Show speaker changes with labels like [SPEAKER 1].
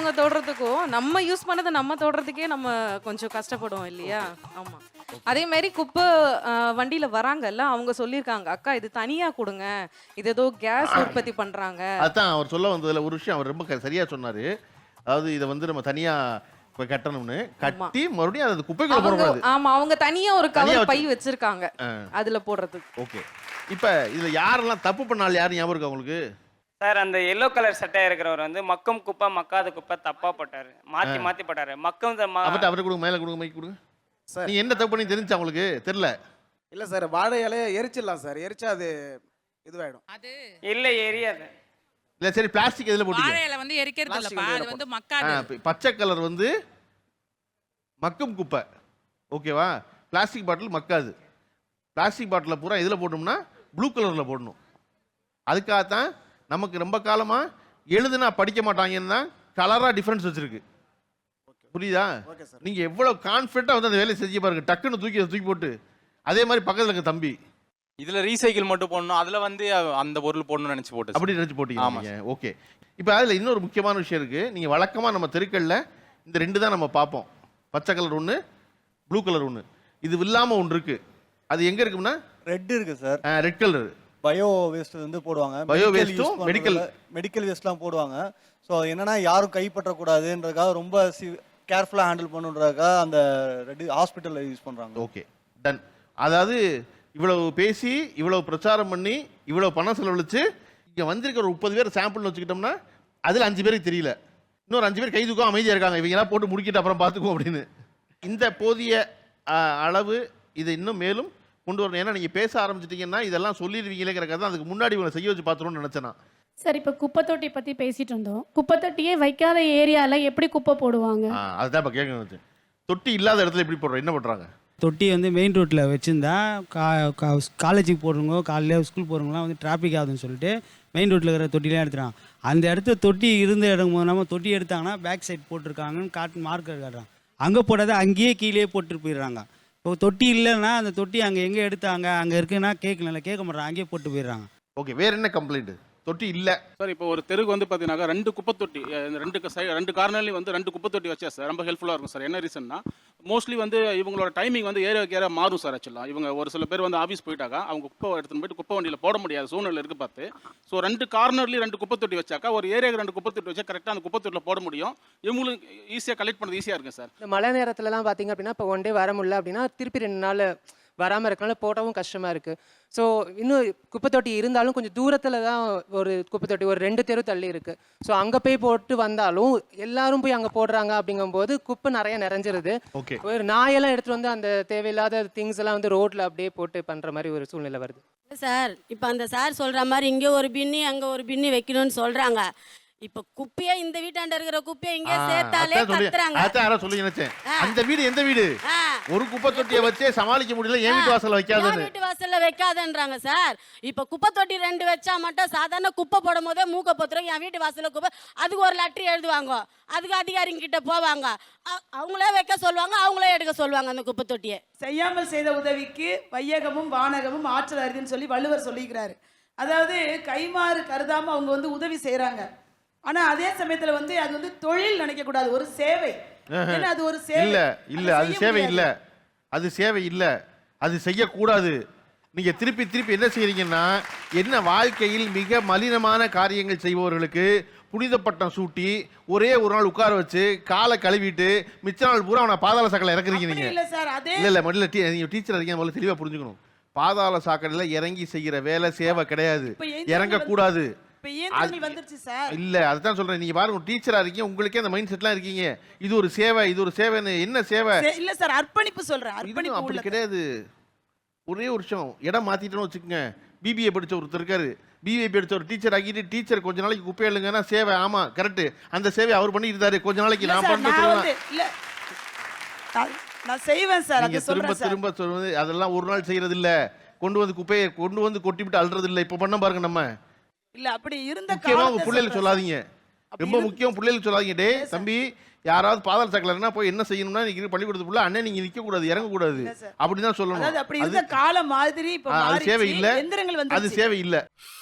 [SPEAKER 1] மத்தவங்க தொடுறதுக்கும் நம்ம யூஸ் பண்ணதை நம்ம தொடுறதுக்கே நம்ம கொஞ்சம் கஷ்டப்படுவோம் இல்லையா? ஆமா. அதே மாதிரி குப்பை வண்டியில வராங்கல்ல, அவங்க சொல்லியிருக்காங்க, அக்கா இது தனியா கொடுங்க, இது ஏதோ கேஸ் உற்பத்தி பண்றாங்க.
[SPEAKER 2] அதான் அவர் சொல்ல வந்ததுல ஒரு விஷயம் அவர் ரொம்ப சரியா சொன்னாரு. அதாவது இதை வந்து நம்ம தனியா இப்ப கட்டணும்னு கட்டி மறுபடியும் அது குப்பைக்குள்ள போடக்கூடாது.
[SPEAKER 1] ஆமா, அவங்க தனியா ஒரு கவர் பை வச்சிருக்காங்க அதுல போடுறதுக்கு.
[SPEAKER 2] ஓகே. இப்ப இதுல யாரெல்லாம் தப்பு பண்ணாலும் யாரும் ஞாபகம் இருக்கா உங்களுக்கு?
[SPEAKER 3] சார் அந்த எல்லோ கலர் சட்டை இருக்கிறவர் வந்து மக்கும் குப்பை மக்காத குப்பை தப்பா போட்டாரு, மாத்தி மாத்தி போட்டாரு. மக்கும்
[SPEAKER 2] அவரை கொடுங்க, மேல கொடுங்க, மைக் கொடுங்க சார். நீ என்ன தப்பு பண்ணி தெரிஞ்சா உங்களுக்கு தெரியல?
[SPEAKER 4] இல்ல சார், வாழை இலையை எரிச்சிடலாம் சார், எரிச்சா அது இதுவாயிடும்.
[SPEAKER 5] அது
[SPEAKER 3] இல்ல எரியாது.
[SPEAKER 2] இல்ல சரி, பிளாஸ்டிக் எதுல போட்டீங்க?
[SPEAKER 5] வாழை இலை வந்து எரிக்கிறது இல்லப்பா, அது வந்து மக்காது.
[SPEAKER 2] பச்சை கலர் வந்து மக்கும் குப்பை, ஓகேவா? Plastic bottle மக்காது. பிளாஸ்டிக் பாட்டில் பூரா எதில் போடணும்னா ப்ளூ கலரில் போடணும். அதுக்காகத்தான் நமக்கு ரொம்ப காலமாக எழுதுனா படிக்க மாட்டாங்கன்னா கலராக டிஃப்ரென்ஸ் வச்சுருக்கு. புரியுதா? நீங்கள் எவ்வளோ கான்ஃபிடண்ட்டாக வந்து அந்த வேலையை செஞ்சு பாருங்க, டக்குன்னு தூக்கி போட்டு. அதே மாதிரி பக்கத்தில் இருக்க தம்பி
[SPEAKER 6] இதுல ரீசைக்கிள் மட்டும் போடணும், அதுல வந்து அந்த பொருள் போடணும்னு நினைச்சு போட்டு
[SPEAKER 2] அப்படி நினைச்சு போட்டீங்க. ஓகே. இப்போ அதில் இன்னொரு முக்கியமான விஷயம் இருக்கு. நீங்க வழக்கமா நம்ம தெருக்கல்ல இந்த ரெண்டு தான் நம்ம பார்ப்போம். பச்சை கலர் ஒன்று, ப்ளூ கலர் ஒன்று. இது இல்லாம ஒன்று இருக்கு. அது எங்க இருக்குன்னா
[SPEAKER 7] ரெட் இருக்கு சார்.
[SPEAKER 2] ரெட் கலர்
[SPEAKER 7] பயோ வேஸ்ட் வந்து போடுவாங்க.
[SPEAKER 2] பயோ வேஸ்ட்டும்
[SPEAKER 7] மெடிக்கல் வேஸ்ட்லாம் போடுவாங்க. ஸோ என்னன்னா யாரும் கைப்பற்றக்கூடாதுன்றதுக்காக ரொம்ப கேர்ஃபுல்லாக ஹேண்டில் பண்ணுறதுக்காக அந்த ரெட் ஹாஸ்பிட்டலில் யூஸ் பண்ணுறாங்க.
[SPEAKER 2] Okay, done. அதாவது இவ்வளவு பேசி இவ்வளவு பிரச்சாரம் பண்ணி இவ்வளவு பணம் செலவழிச்சு இங்கே வந்திருக்கிற ஒரு 30 பேர் சாம்பிள்னு வச்சுக்கிட்டோம்னா அதில் 5 பேருக்கு தெரியல, இன்னொரு 5 பேர் கை தூக்கம் அமைதியாக இருக்காங்க, இவங்கெல்லாம் போட்டு முடிக்கிட்டு அப்புறம் பார்த்துக்குவோம் அப்படின்னு. இந்த போதிய அளவு இதை இன்னும் மேலும் கொண்டு வரணும். ஏன்னா நீங்கள் பேச ஆரம்பிச்சிட்டிங்கன்னா இதெல்லாம் சொல்லிடுவீங்களேங்கிற கதை அதுக்கு முன்னாடி இவங்களை செய்ய வச்சு பார்த்துருன்னு நினச்சேன்னா.
[SPEAKER 8] சார், இப்போ குப்பை தொட்டி பற்றி பேசிட்டு இருந்தோம். குப்பை தொட்டியே வைக்காத ஏரியாவில் எப்படி குப்பை போடுவாங்க?
[SPEAKER 2] அதுதான் இப்போ கேட்க நினச்சேன். தொட்டி இல்லாத இடத்துல எப்படி போடுறோம், என்ன பண்ணுறாங்க?
[SPEAKER 9] தொட்டி வந்து மெயின் ரோட்டில் வச்சுருந்தா காலேஜுக்கு போடுறவங்க காலையில் ஸ்கூல் போகிறவங்களாம் வந்து டிராஃபிக் ஆகுதுன்னு சொல்லிட்டு மெயின் ரோட்டில் இருக்கிற தொட்டிலாம் எடுத்துறாங்க. அந்த இடத்துல தொட்டி இருந்த இடம் நம்ம தொட்டி எடுத்தாங்கன்னா பேக் சைட் போட்டிருக்காங்கன்னு மார்க்கர் காட்டுறாங்க. அங்கே போடாத அங்கேயே கீழே போட்டுட்டு போயிடுறாங்க. இப்போ தொட்டி இல்லைன்னா அந்த தொட்டி அங்கே எங்கே எடுத்தாங்க அங்கே இருக்குன்னா கேட்க மாட்டாங்க, அங்கேயே போட்டு போயிடுறாங்க.
[SPEAKER 2] ஓகே, வேறு என்ன கம்ப்ளைண்ட்? தொட்டி இல்லை
[SPEAKER 10] சார். இப்போ ஒரு தெருக்கு வந்து பார்த்தீங்கன்னா 2 குப்பை தொட்டி, 2 கார்னர்லேயும் வந்து 2 குப்பை தொட்டி வச்சா சார் ரொம்ப ஹெல்ப்ஃபுல்லாக இருக்கும் சார். என்ன ரீசன்னா மோஸ்ட்லி வந்து இவங்களோட டைமிங் வந்து ஏரியா மாறும் சார். ஆக்சுவலாக இவங்க ஒரு சில பேர் வந்து ஆஃபீஸ் போயிட்டாக்கா அவங்க குப்பை எடுத்துன்னு போயிட்டு குப்பை வண்டியில் போட முடியாத சூழ்நிலை இருக்குது பார்த்து. ஸோ 2 கார்னர்லேயும் 2 குப்பை தொட்டி வச்சாக்கா ஒரு ஏரியாவுக்கு 2 குப்பை தொட்டி வச்சா கரெக்டாக அந்த குப்பை தொட்டியில் போட முடியும். இவங்களுக்கு ஈஸியாக கலெக்ட் பண்ணுறது ஈஸியாக இருக்கும் சார்.
[SPEAKER 11] இந்த மழை நேரத்துலலாம் பார்த்தீங்க அப்படின்னா இப்போ 1 டே வர முடியல அப்படின்னா திருப்பி 2 நாள் வராமல் இருக்கனால போட்டவும் கஷ்டமாக இருக்குது. ஸோ இன்னும் குப்பை தொட்டி இருந்தாலும் கொஞ்சம் தூரத்தில் தான் ஒரு குப்பை தொட்டி ஒரு 2 தெரு தள்ளி இருக்குது. ஸோ அங்கே போய் போட்டு வந்தாலும் எல்லாரும் போய் அங்கே போடுறாங்க. அப்படிங்கும்போது குப்பை நிறைய நிறைஞ்சிருது. ஒரு நாயெல்லாம் எடுத்துகிட்டு வந்து அந்த தேவையில்லாத திங்ஸ் எல்லாம் வந்து ரோட்டில் அப்படியே போட்டு பண்ணுற மாதிரி ஒரு சூழ்நிலை வருது
[SPEAKER 12] சார். இப்போ அந்த சார் சொல்கிற மாதிரி இங்கே ஒரு பின்னி அங்கே ஒரு பின்னி வைக்கணும்னு சொல்கிறாங்க. இப்ப குப்பையா இந்த வீட்டாண்ட இருக்கிற குப்பையை இங்க சேர்த்தாலே கத்துறாங்க.
[SPEAKER 2] அதான் சொல்லி நினைச்சேன். அந்த வீடு எந்த வீடு? ஒரு குப்பை தொட்டியை வச்சே சமாளிக்க முடியல, என் வீட்டு வாசல்ல வைக்காதன்னு.
[SPEAKER 12] வீட்டு வாசல்ல வைக்காதன்றாங்க சார். இப்ப குப்பை தொட்டி 2 வச்சா மட்டும் சாதாரண குப்பை போடும் போதே மூக்க பொத்துறோம். என் வீட்டு வாசல்ல குப்பை, அதுக்கு ஒரு லெட்டர் எழுதுவாங்க, அதுக்கு அதிகாரிங்க கிட்ட போவாங்க, அவங்களே வைக்க சொல்லுவாங்க, அவங்களே எடுக்க சொல்லுவாங்க அந்த குப்பை தொட்டியை.
[SPEAKER 13] செய்யாமல் செய்த உதவிக்கு வையகமும் வானகமும் ஆற்றல் அரிதுன்னு சொல்லி வள்ளுவர் சொல்லிக்கிறாரு. அதாவது கைமாறு கருதாம அவங்க வந்து உதவி செய்யறாங்க. ஆனா அதே சமயத்துல வந்து அது வந்து தொழில் நினைக்க கூடாது, ஒரு சேவை. அது ஒரு சேவை இல்ல,
[SPEAKER 2] அது சேவை இல்ல, அது சேவை இல்ல, அது செய்யக்கூடாது. நீங்க திருப்பி என்ன செய்யறீங்கன்னா, என்ன வாழ்க்கையில் மிக மலினமான காரியங்கள் செய்பவர்களுக்கு புனித பட்டம் சூட்டி ஒரே ஒரு நாள் உட்கார வச்சு காலை கழுவிட்டு மிச்ச நாள் பூரா அவனை பாதாள சாக்கடை இறக்குறீங்க. நீங்க இல்ல முதல்ல நீங்க டீச்சர் இருக்கீங்க, முதல்ல தெளிவா புரிஞ்சுக்கணும். பாதாள சாக்கடையில இறங்கி செய்யற வேலை சேவை கிடையாது, இறங்க கூடாது. இல்ல அதுதான் சொல்றேன். நீங்க பாருங்க, டீச்சரா இருக்கீங்க, உங்களுக்கே அந்த மைண்ட் செட்லாம் இருக்கீங்க. இது ஒரு சேவை, இது ஒரு சேவை. என்ன சேவை?
[SPEAKER 13] இல்ல சார், அர்ப்பணிப்பு சொல்றேன்.
[SPEAKER 2] அர்ப்பணிப்பு அப்படி கிடையாது. ஒரே ஒரு விஷயம், இடம் மாத்திட்டோம்னு வச்சுக்கோங்க. பிபிஏ படிச்ச ஒருத்தர் இருக்காரு, பிபிஏ படிச்ச ஒரு டீச்சர் ஆகிட்டு டீச்சர் கொஞ்ச நாளைக்கு குப்பை எழுங்கன்னா சேவை. ஆமா கரெக்ட், அந்த சேவை அவர் பண்ணிட்டு இருந்தாரு. கொஞ்ச நாளைக்கு நான்
[SPEAKER 13] நான் செய்வேன் சார்.
[SPEAKER 2] திரும்ப சொல்றது அதெல்லாம் ஒரு நாள் செய்யறது இல்ல. கொண்டு வந்து குப்பையை கொண்டு வந்து கொட்டி விட்டு அல்றது இல்ல. இப்ப பண்ண பாருங்க நம்ம.
[SPEAKER 13] இல்ல அப்படி இருந்த
[SPEAKER 2] காலத்துல பிள்ளைகளுக்கு சொல்லாதீங்க, ரொம்ப முக்கியம். பிள்ளைகளுக்கு சொல்லாதீங்க, டே தம்பி யாராவது பாதாள சாக்கடைனா போய் என்ன செய்யணும்னா நீங்க பள்ளிக்கூடத்துக்குள்ள அண்ணன் நீங்க நிக்க கூடாது, இறங்க கூடாது, அப்படிதான் சொல்லணும்.
[SPEAKER 13] அப்படி இருந்த காலம் மாதிரி இப்ப
[SPEAKER 2] அது சேவை இல்ல, அது சேவை இல்ல.